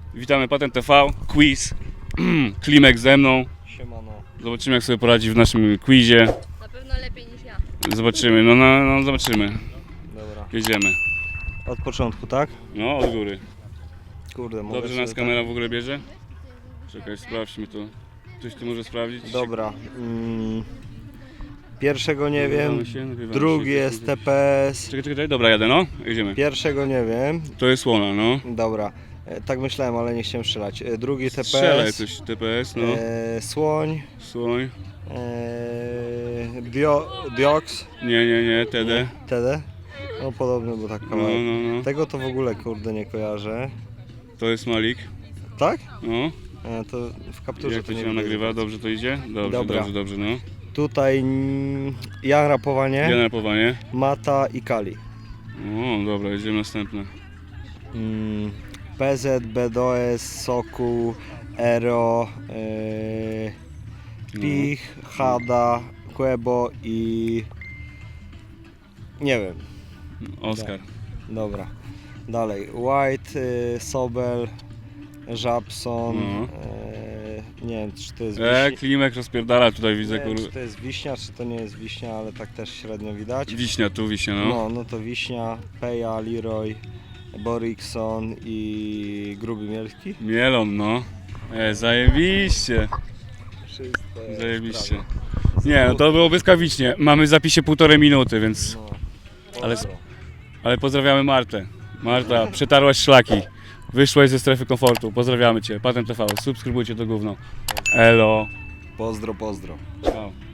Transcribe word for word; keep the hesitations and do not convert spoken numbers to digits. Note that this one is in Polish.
Witamy Patent T V, quiz. Klimek ze mną. Siemano. Zobaczymy, jak sobie poradzi w naszym quizie. Na pewno lepiej niż ja. Zobaczymy, no, no, no zobaczymy. Dobra. Jedziemy. Od początku, tak? No, od góry. Kurde, mogę Dobrze sobie nas kamera w ogóle bierze? Czekaj, sprawdźmy to. Ktoś tu może sprawdzić? tak... Dobra. Mm. Pierwszego nie Nagrywamy wiem. się, nagrywamy Drugi się. jest T P S. Czekaj, czekaj, czekaj, dobra, jadę, no. Jedziemy. Pierwszego nie wiem. To jest słona, no. Dobra. E, tak myślałem, ale nie chciałem strzelać. E, drugi T P S. Strzelaj coś, T P S, no. E, słoń. Słoń. E, dio, dioks. Nie, nie, nie, T D. T D. No podobny, bo tak No, kawałek. no, no. Tego to w ogóle kurde nie kojarzę. To jest Malik. Tak? No. E, to w kapturze Jak to to nie się widać. nagrywa? Dobrze to idzie? Dobrze, Dobra. dobrze, dobrze, no. Tutaj mm, ja rapowanie, Generowanie. Mata i Kali. O, dobra, jedziemy następne. Mm, P Z, B D O S, Soku, Ero, yy, Pich, Hada, Quebo i... nie wiem. Oskar. Dobra. Dalej. White, yy, Sobel, Żabson, No. yy, nie wiem czy to jest E, wiśnia. Klimek rozpierdala tutaj, widzę, Nie wiem, kur... czy to jest wiśnia, czy to nie jest wiśnia, ale tak też średnio widać. Wiśnia, tu wiśnia, no. No, no to Wiśnia, Peja, Leroy, Borikson i Gruby Mielski. Mielon, no. E, zajebiście. Wszystko jest Zajebiście. prawie. Nie, no to było błyskawicznie. Mamy w zapisie półtorej minuty, więc... No. Ale- Pozdro. Ale pozdrawiamy Martę. Marta, przetarłaś szlaki. Wyszłaś ze strefy komfortu. Pozdrawiamy Cię. Patent T V. Subskrybujcie to gówno. Elo. Pozdro, pozdro. Ciao.